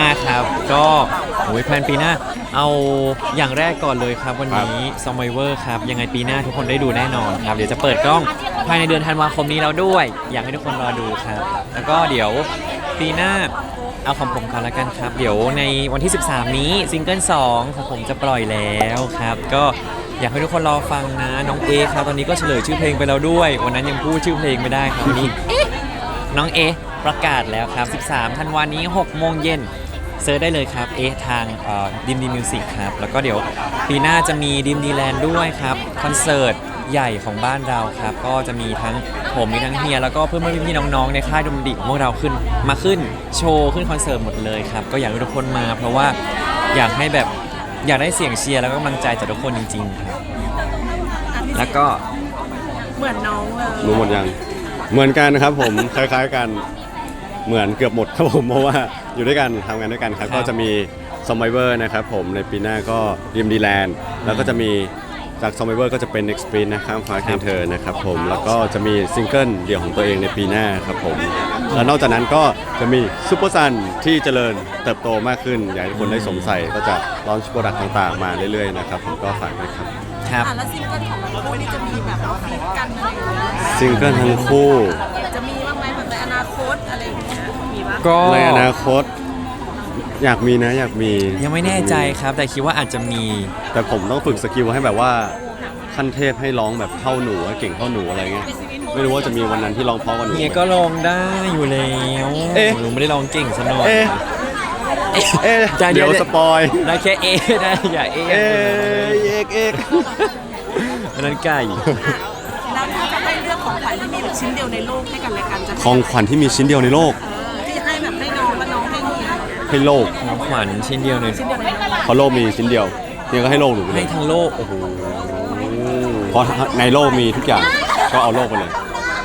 ครับก็แพลนปีหน้าเอาอย่างแรกก่อนเลยครับวันนี้ Survivor ครับยังไงปีหน้าทุกคนได้ดูแน่นอนครับเดี๋ยวจะเปิดกล้องภายในเดือนธันวาคมนี้แล้วด้วย อยากให้ทุกคนรอดูครับแล้วก็เดี๋ยวปีหน้าเอาของผมก่อนละกันครับเดี๋ยวในวันที่ 13 นี้ซิงเกิล2ของผมจะปล่อยแล้วครับก็อยากให้ทุกคนรอฟังนะน้องเอครับตอนนี้ก็เฉลยชื่อเพลงไปแล้วด้วยวันนั้นยังพูดชื่อเพลงไม่ได้ครับวันนี้น้องเอประกาศแล้วครับ 13 ธันวาคมนี้ 6 โมงเย็นเซิร์ชได้เลยครับทางดิมดีมิวสิกครับแล้วก็เดี๋ยวปีหน้าจะมีดิมดีแลนด์ด้วยครับคอนเสิร์ตใหญ่ของบ้านเราครับก็จะมีทั้งผมมีทั้งเฮียแล้วก็เพื่อนพี่น้องๆในค่ายดนตรีของพวกเราขึ้นโชว์ขึ้นคอนเสิร์ตหมดเลยครับก็อยากให้ทุกคนมาเพราะว่าอยากให้แบบอยากได้เสียงเชียร์แล้วก็กำลังใจจากทุกคนจริงๆครับแล้วก็เหมือนน้องเลยรู้หมดยังเหมือนกันครับผมคล้ายๆกันเหมือนเกือบหมดครับผมเพราะว่าอยู่ด้วยกันทำงานด้วยกันครับก็จะมี Survivor นะครับผมในปีหน้าก็ดิมดีแลนด์แล้วก็จะมีจาก Survivor ก็จะเป็น Next Sprint นะครับฟ้าเคียงเธอนะครับผมแล้วก็จะมีซิงเกิลเดี่ยวของตัวเองในปีหน้าครับผมแล้วนอกจากนั้นก็จะมีซุปเปอร์ซันที่เจริญเติบโตมากขึ้นอยากให้ทุกคนได้สวมใส่ก็จะลอนช์โปรดักต์ต่างๆมาเรื่อยๆนะครับผมก็ฝากด้วยครับครับแล้วซิงเกิลของเราคู่นี่จะมีแบบว่าฟีดกันอะไรอย่างเงี้ยซิงเกิลทั้งคู่จะมีบ้างไหมแบบในอนาคตอะไรอย่างเงี้ยมีบ้างก็ในอนาคตอยากมีนะอยากมียังไม่แน่ใจครับแต่คิดว่าอาจจะมีแต่ผมต้องฝึกสกิลให้แบบว่าขั้นเทพให้ร้องแบบเท่าหนูเก่งเท่าหนูอะไรเงี้ยไม่รู้ว่าจะมีวันนั้นที่ร้องเพราะกว่าหนูเนี่ยก็ร้องได้อยู่แล้วหนูไม่ได้ร้องเก่งซะหน่อยเดี๋ยวสปอยได้แค่ได้อย่าเอกอันนั้นไก่แล้วถ้าจะให้เลือกของขวัญที่มีแบบชิ้นเดียวในโลกให้กันและกันจะของขวัญที่มีชิ้นเดียวในโลกที่ให้แบบให้น้องกับน้องให้เงี้ยให้โลกของขวัญชิ้นเดียวในเพราะโลกมีชิ้นเดียวเนี่ยก็ให้โลกหนูให้ทั้งโลกโอ้โหเพราะในโลกมีทุกอย่างก็เอาโลกไปเลย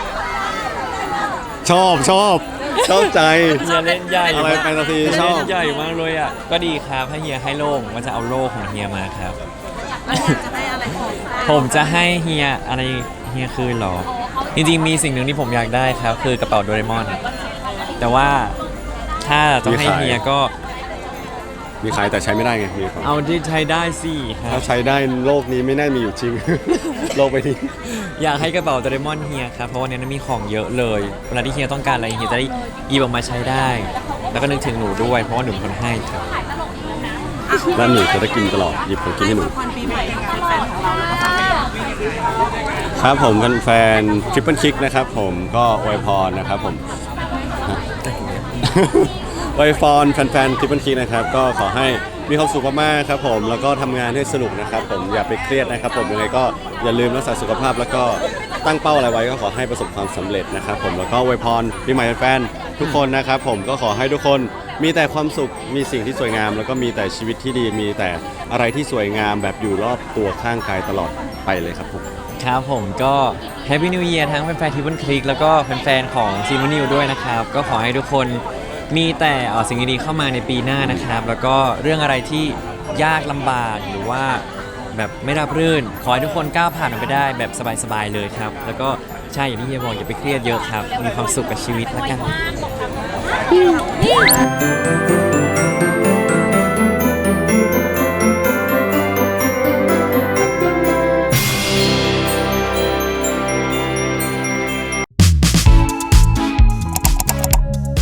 ชอบใจเฮียเล่นใหญ่อะไรแฟนตาซีชอบใหญ่มากเลยอ่ะก็ดีครับให้เฮียให้โลกมันจะเอาโลกของเฮียมาครับจะได้อะไรผมจะให้เฮียอะไรเฮียคืนหรอจริงๆมีสิ่งหนึ่งที่ผมอยากได้ครับคือกระเป๋าโดเรมอนแต่ว่าถ้าต้องให้เฮียก็มีขายแต่ใช้ไม่ได้ไงมีเอาที่ใช้ได้สิถ้าใช้ได้โลกนี้ไม่น่ามีอยู่จริง โลกไปนี้อยากให้กระเป๋าโดเรมอนเฮียครับเพราะวันนี้มีของเยอะเลยเวลาที่เฮียต้องการอะไรเฮียจะได้หยิบออกมาใช้ได้แล้วก็นึกถึงหนูด้วยเพราะว่าหนูเป็นคนให้ครับแล้วหนูจะได้กินตลอดหยิบของกินให้หนูครับผมแฟนทริปเปิลคิกนะครับผมก็อวยพรนะครับผมอวยพรแฟนๆทริปเปิลคิกนะครับก็ขอให้มีความสุขมากๆครับผมแล้วก็ทำงานให้สนุกนะครับผมอย่าไปเครียดนะครับผมยังไงก็อย่าลืมรักษาสุขภาพแล้วก็ตั้งเป้าอะไรไว้ก็ขอให้ประสบความสำเร็จนะครับผมแล้วก็อวยพรปีใหม่แฟนๆทุกคนนะครับผมก็ขอให้ทุกคนมีแต่ความสุขมีสิ่งที่สวยงามแล้วก็มีแต่ชีวิตที่ดีมีแต่อะไรที่สวยงามแบบอยู่รอบตัวข้างกายตลอดไปเลยครับผมครับผมก็ Happy New Year ทั้งแฟนๆทริปเปิลคิกแล้วก็แฟนๆของซีมนิวด้วยนะครับก็ขอให้ทุกคนมีแต่สิ่งดีๆเข้ามาในปีหน้านะครับแล้วก็เรื่องอะไรที่ยากลำบากหรือว่าแบบไม่ราบรื่นขอให้ทุกคนก้าวผ่านมันไปได้แบบสบายๆเลยครับแล้วก็ใช่อย่างที่เฮียบอกอย่าไปเครียดเยอะครับมีความสุขกับชีวิตแล้วกัน